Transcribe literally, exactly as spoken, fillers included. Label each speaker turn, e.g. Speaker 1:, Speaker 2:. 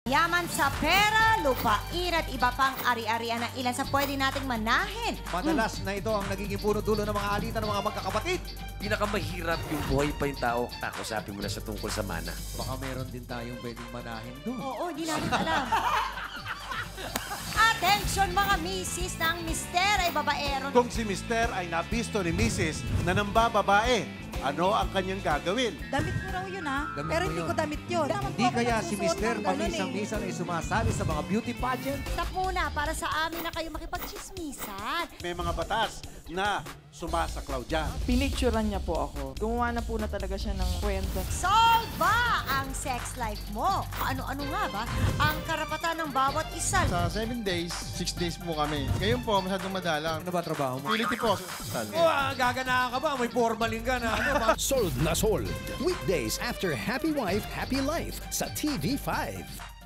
Speaker 1: Yaman sa pera, lupain at iba pang ari-arian na ilan sa pwede nating manahin.
Speaker 2: Madalas na ito ang nagiging puno-dulo ng mga alitan ng mga magkakapatid.
Speaker 3: Pinakamahirap yung buhay pa yung tao. Kakusapin mo na siya tungkol sa mana.
Speaker 2: Baka meron din tayong pwedeng manahin doon.
Speaker 1: Oo, di namin alam. Attention mga misis ng mister ay babaero.
Speaker 4: Kung si Mister ay nabisto ni Missus na nambababae, ano ang kanyang gagawin?
Speaker 5: Damit ko raw yun, ha?
Speaker 2: Damit
Speaker 5: Pero
Speaker 2: mo
Speaker 5: hindi
Speaker 2: yun.
Speaker 5: ko damit yun.
Speaker 2: Hindi kaya si Mister paminsan-minsan ay sumasali sa mga beauty pageant?
Speaker 1: Stop muna para sa amin na kayo makipagchismisan.
Speaker 4: May mga batas na sumasaklaw dyan.
Speaker 6: Pinicturean niya po ako. Gumawa na po na talaga siya ng kwento.
Speaker 1: Solve ba ang sex life mo? Ano-ano nga ba ang karapatan ng bawat isa?
Speaker 7: Sa seven days, six days po kami. Ngayon po, masyadong madalang.
Speaker 2: Ano ba trabaho mo?
Speaker 7: Piliti po.
Speaker 2: Oh, ah, gaganaan ka ba? May formalin ka na. Ano ba?
Speaker 8: Sold na sold. Weekdays after Happy Wife, Happy Life sa T V five.